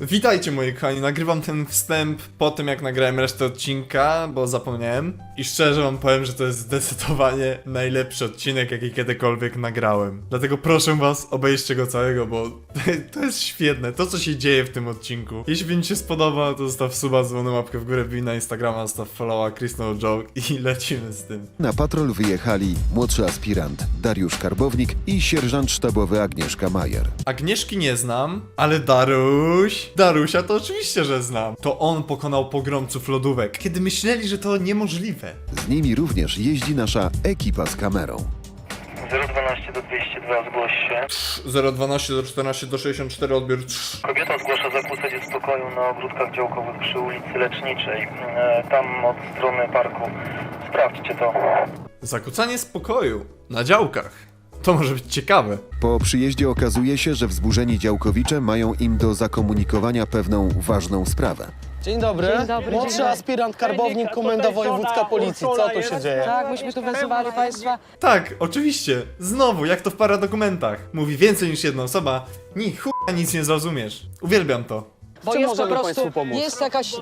Witajcie moi kochani, nagrywam ten wstęp po tym jak nagrałem resztę odcinka, bo zapomniałem. I szczerze wam powiem, że to jest zdecydowanie najlepszy odcinek jaki kiedykolwiek nagrałem. Dlatego proszę was, obejrzcie go całego, bo to jest świetne, to co się dzieje w tym odcinku. Jeśli wam się spodoba, to zostaw suba, dzwonę, łapkę w górę, wbij na Instagrama, zostaw followa, Chris No Joke i lecimy z tym. Na patrol wyjechali młodszy aspirant Dariusz Karbownik i sierżant sztabowy Agnieszka Majer. Agnieszki nie znam, ale Darusia to oczywiście, że znam. To on pokonał pogromców lodówek, kiedy myśleli, że to niemożliwe. Z nimi również jeździ nasza ekipa z kamerą. 012 do 202 zgłoś się. 012 do 14 do 64 odbiór. Kobieta zgłasza zakłócenie spokoju na ogródkach działkowych przy ulicy Leczniczej. Tam od strony parku. Sprawdźcie to. Zakłócanie spokoju na działkach. To może być ciekawe. Po przyjeździe okazuje się, że wzburzeni działkowicze mają im do zakomunikowania pewną ważną sprawę. Dzień dobry. Dzień dobry, Młodszy dzień dobry. aspirant Karbownik, komenda wojewódzka policji. Co tu się dzieje? Tak, myśmy tu wezwali państwa. Tak, oczywiście. Znowu, jak to w paradokumentach. Mówi więcej niż jedna osoba. Ni chuja nic nie zrozumiesz. Uwielbiam to. Bo Czym jest po możemy prostu, państwu pomóc? jest jakaś,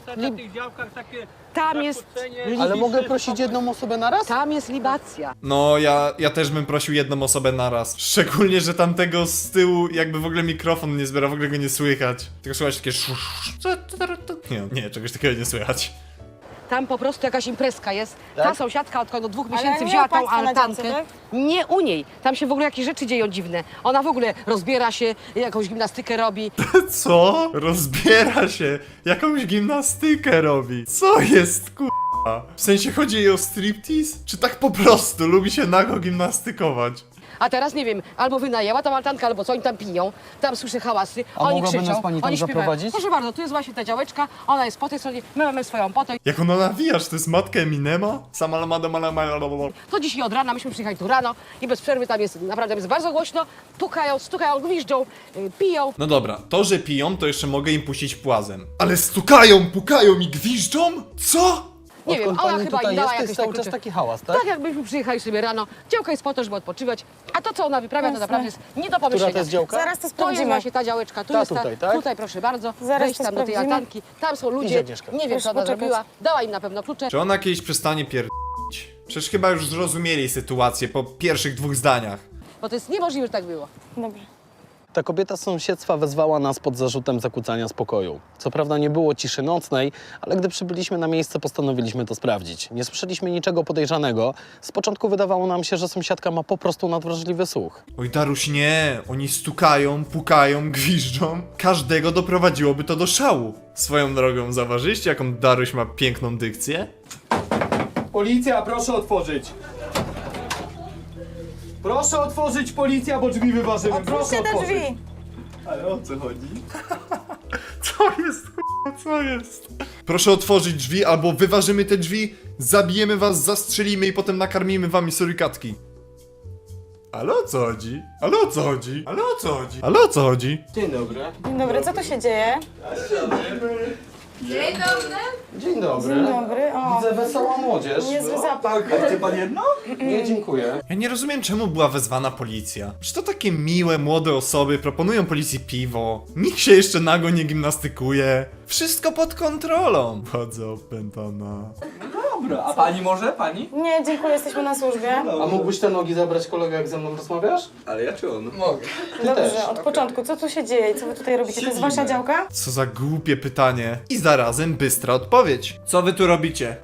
tam jest, Ale mogę prosić jedną osobę na raz? tam jest libacja. No, ja też bym prosił jedną osobę naraz. Szczególnie, że tamtego z tyłu jakby w ogóle mikrofon nie zbiera, w ogóle go nie słychać. Tylko słychać takie Nie, czegoś takiego nie słychać. Tam po prostu jakaś imprezka jest. Ta Tak? sąsiadka od 2 Ale miesięcy nie wzięła u tą państwa na altankę. działce, tak? Nie u niej. Tam się w ogóle jakieś rzeczy dzieją dziwne. Ona w ogóle rozbiera się, jakąś gimnastykę robi. Co? Rozbiera się, jakąś gimnastykę robi. Co jest k***a? W sensie chodzi jej o striptease? Czy tak po prostu lubi się nago gimnastykować? A teraz nie wiem, albo wynajęła tą altankę, albo co oni tam piją. Tam słyszę hałasy, A oni mogłaby krzyczą, nas pani tam oni śpiewają. zaprowadzić? Proszę bardzo, tu jest właśnie ta działeczka, ona jest po tej stronie, my mamy swoją po tej. Jak ona nawija, że to jest matka Eminema? Sama lamada malamala. To dzisiaj od rana, myśmy przyjechali tu rano i bez przerwy tam jest, naprawdę jest bardzo głośno, pukają, stukają, gwiżdżą, piją. No dobra, to, że piją, to jeszcze mogę im puścić płazem. Ale stukają, pukają i gwiżdżą? Co? Nie wiem, Odkąd ona pani chyba tutaj im dała jest, to jakieś jest cały takie czas klucze. taki hałas, tak? Tak jakbyśmy przyjechali sobie rano. Działka jest po to, żeby odpoczywać, a to co ona wyprawia to naprawdę jest nie do pomyślenia. Która to jest działka? Zaraz to To jest sprawdzimy. właśnie ta działeczka, tu Ta jest tutaj, tak? tutaj proszę bardzo, Zaraz wejść to tam do tej sprawdzimy. altanki, tam są Idzie ludzie, Agnieszka. nie wiem Proszę co ona poczekać. zrobiła, dała im na pewno klucze. Czy ona kiedyś przestanie pierdolić? Przecież chyba już zrozumieli sytuację po pierwszych 2 zdaniach. Bo to jest niemożliwe, że tak było. Dobrze. Ta kobieta z sąsiedztwa wezwała nas pod zarzutem zakłócania spokoju. Co prawda nie było ciszy nocnej, ale gdy przybyliśmy na miejsce, postanowiliśmy to sprawdzić. Nie słyszeliśmy niczego podejrzanego. Z początku wydawało nam się, że sąsiadka ma po prostu nadwrażliwy słuch. Oj Daruś, nie. Oni stukają, pukają, gwiżdżą. Każdego doprowadziłoby to do szału. Swoją drogą, zauważyliście jaką Daruś ma piękną dykcję? Policja, proszę otworzyć! Proszę otworzyć, policja, bo drzwi wyważymy. Proszę Otwórzcie te otworzyć. drzwi. Ale o co chodzi? Co jest, co jest? Proszę otworzyć drzwi, albo wyważymy te drzwi, zabijemy was, zastrzelimy i potem nakarmimy wami surykatki. Ale o co chodzi? Ale o co chodzi? Ale o co chodzi? Ale o co chodzi? Dzień dobry. Dzień dobry, co tu się dzieje? Dzień dobry. Dzień dobry. O, Widzę wesoła młodzież. niezły zapach. Chce pan jedno? Nie, dziękuję. Ja nie rozumiem, czemu była wezwana policja. Przecież to takie miłe, młode osoby proponują policji piwo. Nikt się jeszcze nago nie gimnastykuje. Wszystko pod kontrolą. Bardzo opętana. Dobra, a pani może? Pani? Nie, dziękuję, jesteśmy na służbie. A mógłbyś te nogi zabrać kolego, jak ze mną rozmawiasz? Ale ja czy on? Mogę. Dobrze, od początku, co tu się dzieje? Co wy tutaj robicie? To jest wasza działka? Co za głupie pytanie. I zarazem bystra odpowiedź. Co wy tu robicie?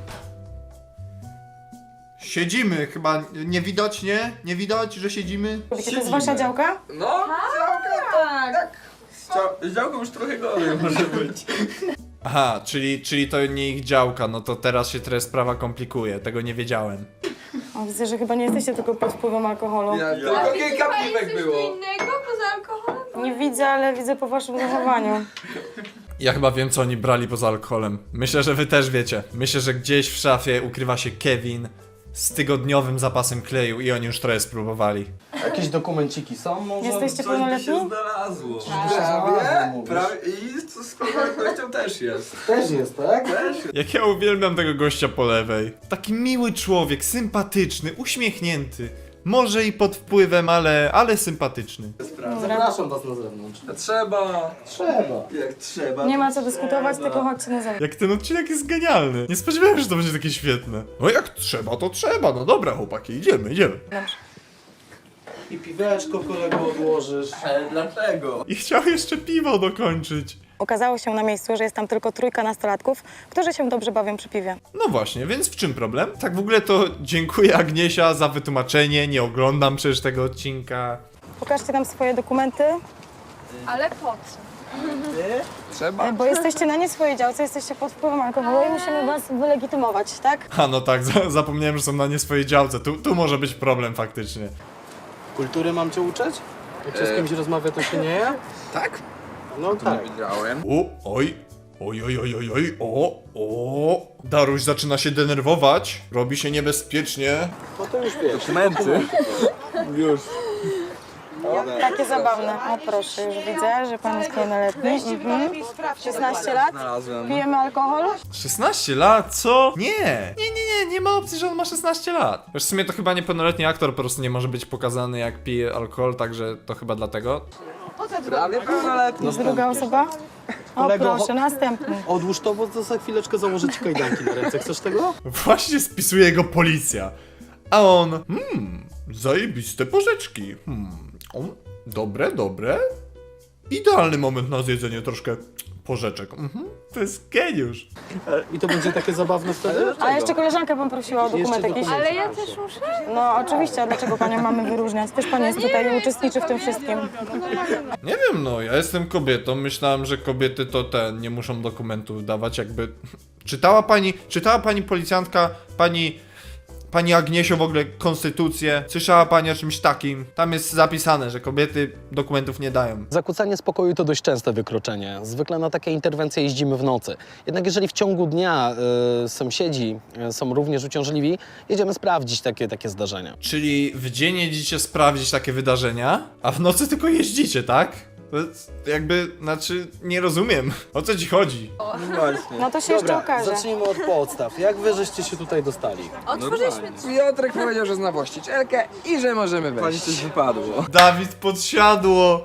Siedzimy, chyba nie widać, nie? Nie widać, że siedzimy? Robicie, to jest wasza działka? No, działka, tak. Z działką już trochę gorzej może być. Aha, czyli to nie ich działka, no to teraz się trochę sprawa komplikuje, tego nie wiedziałem. O, widzę, że chyba nie jesteście tylko pod wpływem alkoholu. Tylko kilka piwek było. innego poza alkoholem? Nie widzę, ale widzę po waszym zachowaniu. Ja chyba wiem, co oni brali poza alkoholem. Myślę, że wy też wiecie. Myślę, że gdzieś w szafie ukrywa się Kevin z tygodniowym zapasem kleju i oni już trochę spróbowali. Jakieś dokumenciki są może? Jesteście Coś by pełnoletni? się znalazło. znalazło, mówisz. I z pewnością też jest. Też jest, tak? Też jest. Jak ja uwielbiam tego gościa po lewej. Taki miły człowiek, sympatyczny, uśmiechnięty. Może i pod wpływem, ale sympatyczny. Zapraszam was na zewnątrz. Trzeba. Trzeba. Jak trzeba. Nie ma co dyskutować, tylko chodźcie na zewnątrz. Jak ten odcinek jest genialny. Nie spodziewałem się, że to będzie takie świetne. No jak trzeba, to trzeba. No dobra, chłopaki, idziemy. I piweczko, kolego, odłożysz. Ale dlaczego? I chciał jeszcze piwo dokończyć. Okazało się na miejscu, że jest tam tylko 3 nastolatków, którzy się dobrze bawią przy piwie. No właśnie, więc w czym problem? Tak w ogóle to dziękuję Agniesia za wytłumaczenie. Nie oglądam przecież tego odcinka. Pokażcie nam swoje dokumenty, Ale po co? Trzeba. bo jesteście na nie swojej działce, jesteście pod wpływem alkoholu i musimy was wylegitymować, tak? A no tak, zapomniałem, że są na nie swojej działce. Tu może być problem faktycznie. Kultury mam cię uczyć? Jak się z kimś rozmawia, to się nie je? Tak? No tak. Widziałem. Oj. O. Daruś zaczyna się denerwować. Robi się niebezpiecznie. No to już wiesz. Dokumenty. Już. Takie zabawne. O proszę, już widzę, że pan jest pełnoletni. 16 lat? Znalazłem. Pijemy alkohol? 16 lat? Co? Nie ma opcji, że on ma 16 lat. Wiesz, w sumie to chyba niepełnoletni aktor po prostu nie może być pokazany jak pije alkohol, także to chyba dlatego. Prawie pełnoletni. Druga osoba? O Kolego, proszę, następny. Odłóż to, bo to za chwileczkę założę ci kajdanki na ręce. Chcesz tego? Właśnie spisuje go policja. A on... zajebiste porzeczki. Dobre. Idealny moment na zjedzenie troszkę porzeczek. To jest geniusz. I to będzie takie zabawne wtedy? A jeszcze koleżankę bym prosiła o dokument Jeszcze jakiś. dokument. Ale ja też muszę. No oczywiście, a dlaczego panią mamy wyróżniać? Też pan jest tutaj i uczestniczy w tym wszystkim. Nie wiem, no, ja jestem kobietą. Myślałem, że kobiety to nie muszą dokumentów dawać, jakby... Czytała pani policjantka, pani Agniesio w ogóle konstytucję? Słyszała pani o czymś takim? Tam jest zapisane, że kobiety dokumentów nie dają. Zakłócanie spokoju to dość częste wykroczenie. Zwykle na takie interwencje jeździmy w nocy. Jednak jeżeli w ciągu dnia sąsiedzi są również uciążliwi, jedziemy sprawdzić takie zdarzenia. Czyli w dzień jedziecie sprawdzić takie wydarzenia, a w nocy tylko jeździcie, tak? To jest jakby, nie rozumiem. O co ci chodzi? Właśnie. No to się jeszcze okaże. zacznijmy od podstaw. Jak wy żeście się tutaj dostali? Otworzyliśmy Piotrek powiedział, że zna właścicielkę i że możemy wejść. Pani coś wypadło. Dawid podsiadło!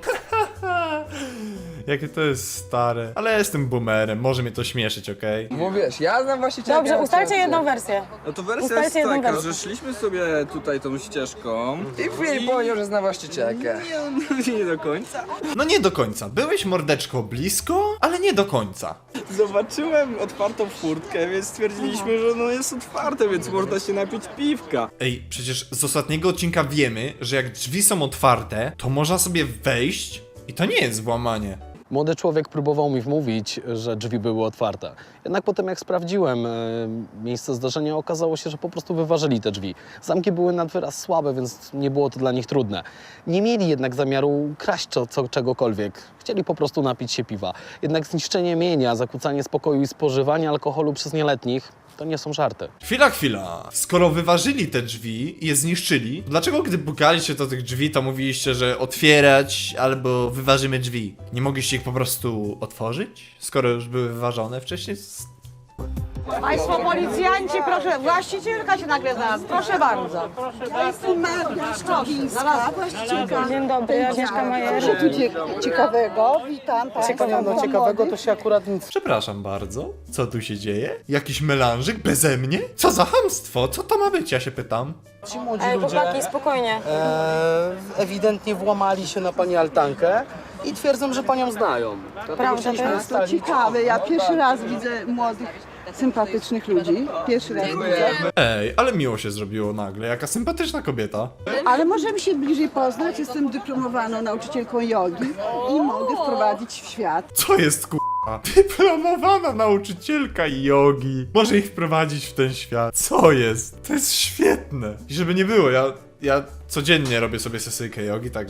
Jakie to jest stare. Ale ja jestem boomerem, może mnie to śmieszyć, okej? Bo wiesz, ja znam właścicielkę. Dobrze, ustalcie ciebie. jedną wersję. No to wersja Ustalcie jest jedną taka, wersję. że szliśmy sobie tutaj tą ścieżką. I chwili powiedział, że zna właścicielkę. Nie do końca. No nie do końca. Byłeś mordeczko blisko, ale nie do końca. Zobaczyłem otwartą furtkę, więc stwierdziliśmy, że no jest otwarte, więc można się napić piwka. Ej, przecież z ostatniego odcinka wiemy, że jak drzwi są otwarte, to można sobie wejść i to nie jest włamanie. Młody człowiek próbował mi wmówić, że drzwi były otwarte. Jednak potem jak sprawdziłem miejsce zdarzenia, okazało się, że po prostu wyważyli te drzwi. Zamki były nad wyraz słabe, więc nie było to dla nich trudne. Nie mieli jednak zamiaru kraść czegokolwiek. Chcieli po prostu napić się piwa. Jednak zniszczenie mienia, zakłócanie spokoju i spożywanie alkoholu przez nieletnich to nie są żarty. Chwila. Skoro wyważyli te drzwi i je zniszczyli, dlaczego gdy pukaliście do tych drzwi, to mówiliście, że otwierać albo wyważymy drzwi? Nie mogliście ich po prostu otworzyć? Skoro już były wyważone wcześniej? Państwo policjanci, proszę, właścicielka się nagle znalazła, proszę bardzo. Ja jestem Maria Szczowińska, właścicielka. Dzień dobry, Agnieszka Majer. Co tu ciekawego? Witam Państwa. No ciekawego to się akurat nic... Przepraszam bardzo, co tu się dzieje? Jakiś melanżyk beze mnie? Co za chamstwo? Co to ma być, ja się pytam? Ci młodzi Ej, ludzie chłopaki, spokojnie. ewidentnie włamali się na pani altankę i twierdzą, że panią znają. Prawda to jest? To ciekawe, ja pierwszy raz widzę młodych, sympatycznych ludzi. Pierwszy raz widzę. Ej, ale miło się zrobiło nagle, jaka sympatyczna kobieta. Ale możemy się bliżej poznać. Jestem dyplomowaną nauczycielką jogi i mogę wprowadzić w świat. Co jest k***a? Dyplomowana nauczycielka jogi. Może ich wprowadzić w ten świat. Co jest? To jest świetne. I żeby nie było, ja codziennie robię sobie sesyjkę jogi, także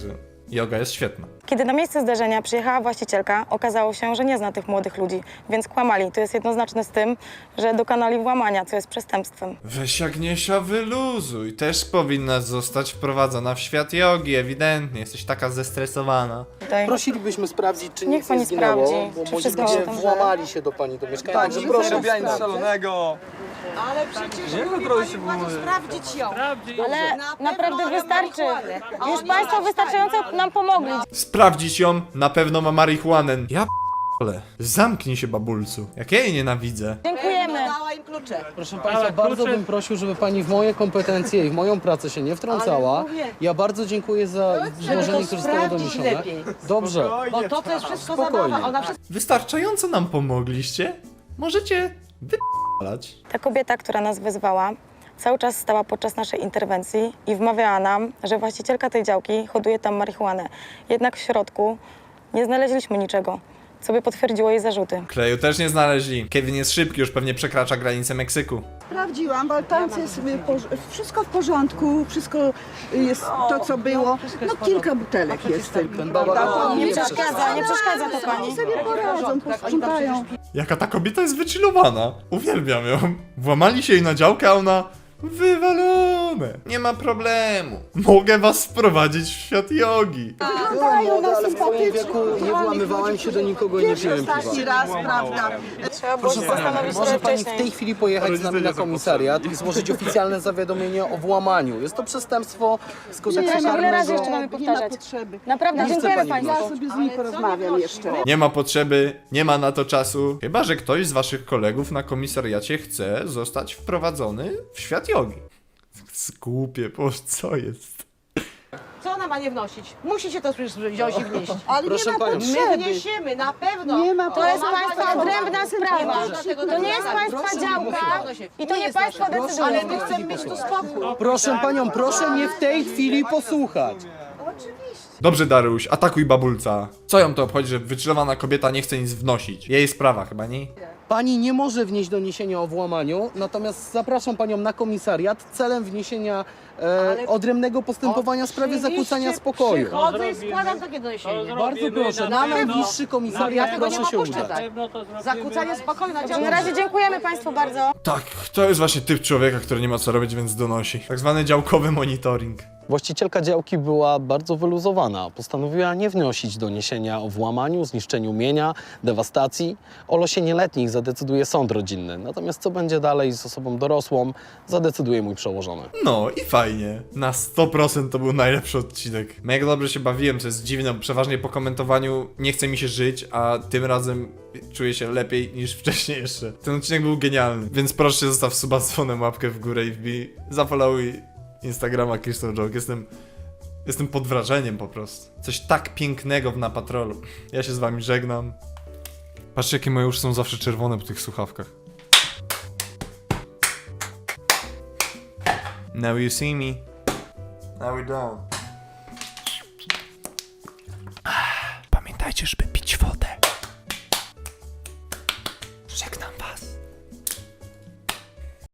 Joga jest świetna. Kiedy na miejsce zdarzenia przyjechała właścicielka, okazało się, że nie zna tych młodych ludzi, więc kłamali. To jest jednoznaczne z tym, że dokonali włamania, co jest przestępstwem. Weź Agniesia, wyluzuj. Też powinnaś zostać wprowadzona w świat jogi, ewidentnie. Jesteś taka zestresowana. Tutaj. Prosilibyśmy sprawdzić, czy Niech nic pani nie zginęło, sprawdzi, bo czy moi wszystko ludzie się tam włamali się do pani do mieszkania. Tak, Także proszę proszę białym szalonego. Ale przecież Niech prosi sprawdzić ją. Ale naprawdę wystarczy. Już państwo wystarczająco nam pomogli. Sprawdzić ją, na pewno ma marihuanę. Ja p***le. Zamknij się, babulcu. Jak ja jej nienawidzę. Dziękujemy. Proszę Państwa, bardzo bym prosił, żeby Pani w moje kompetencje i w moją pracę się nie wtrącała. Ja bardzo dziękuję za złożenie, które zostało doniesione. Dobrze, Bo to jest wszystko spokojnie. zabawa. Ona wszystko... Wystarczająco nam pomogliście. Możecie wy***lać. Ta kobieta, która nas wezwała, cały czas stała podczas naszej interwencji i wmawiała nam, że właścicielka tej działki hoduje tam marihuanę. Jednak w środku nie znaleźliśmy niczego, co by potwierdziło jej zarzuty. Kleju też nie znaleźli. Kevin jest szybki, już pewnie przekracza granicę Meksyku. Sprawdziłam, bo tam jest wszystko w porządku, wszystko jest to, co było. No kilka butelek jest tylko. Nie przeszkadza to pani. Oni sobie poradzą, posprzątają. Jaka ta kobieta jest wychillowana. Uwielbiam ją. Włamali się jej na działkę, a ona... Wywalone. Nie ma problemu. Mogę was wprowadzić w świat jogi. Wyglądają na ale w moim sympatycznych. wieku nie włamywałem się do nikogo i nie piłem piwa. Ostatni raz, prawda? Trzeba było się zastanowić Może trochę Pani w wcześniej. tej chwili pojechać z nami na komisariat i złożyć oficjalne zawiadomienie o włamaniu. Jest to przestępstwo z kodeksu Przepraszam, ile razy karnego. jeszcze mamy Nie ma powtarzać? potrzeby. Naprawdę, Nie chce dziękujemy pani Państwu. Ja sobie z nim porozmawiam jeszcze. Nie ma potrzeby, nie ma na to czasu. Chyba że ktoś z waszych kolegów na komisariacie chce zostać wprowadzony w świat jogi. Głupie, bo co jest? Co ona ma nie wnosić? Musicie to wziąć i wnieść. Ale Proszę nie ma panią. My potrzeby. wniesiemy, na pewno. Nie ma To jest potrzeby. Państwa odrębna sprawa. Dlatego To nie jest Państwa działka i to nie Państwo decydują. Ale my chcemy mieć tu spokój. Proszę Panią, proszę mnie w tej chwili posłuchać. Dobrze, Daruś, atakuj babulca. Co ją to obchodzi, że wychillowana kobieta nie chce nic wnosić? Jej sprawa chyba, nie? Pani nie może wnieść doniesienia o włamaniu, natomiast zapraszam Panią na komisariat celem wniesienia odrębnego postępowania w sprawie zakłócania spokoju. Przychodzę i składam takie doniesienie. Bardzo proszę, na najbliższy komisariat tego nie proszę się opuszczę, udać. tak. Zakłócanie spokoju na Na działce. razie dziękujemy Państwu bardzo. Tak, to jest właśnie typ człowieka, który nie ma co robić, więc donosi. Tak zwany działkowy monitoring. Właścicielka działki była bardzo wyluzowana. Postanowiła nie wnosić doniesienia o włamaniu, zniszczeniu mienia, dewastacji. O losie nieletnich zadecyduje sąd rodzinny. Natomiast co będzie dalej z osobą dorosłą, zadecyduje mój przełożony. No i fajnie. Na 100% to był najlepszy odcinek. Mega dobrze się bawiłem, co jest dziwne, bo przeważnie po komentowaniu nie chce mi się żyć, a tym razem czuję się lepiej niż wcześniej jeszcze. Ten odcinek był genialny, więc proszę zostaw suba z dzwonem, łapkę w górę i wbij. Zafollowuj Instagrama Crystal Joke. Jestem pod wrażeniem po prostu. Coś tak pięknego w Na Patrolu. Ja się z wami żegnam. Patrzcie, jakie moje uszy są zawsze czerwone po tych słuchawkach. Now you see me. Now we don't. Pamiętajcie, żeby pić wodę. Żegnam was.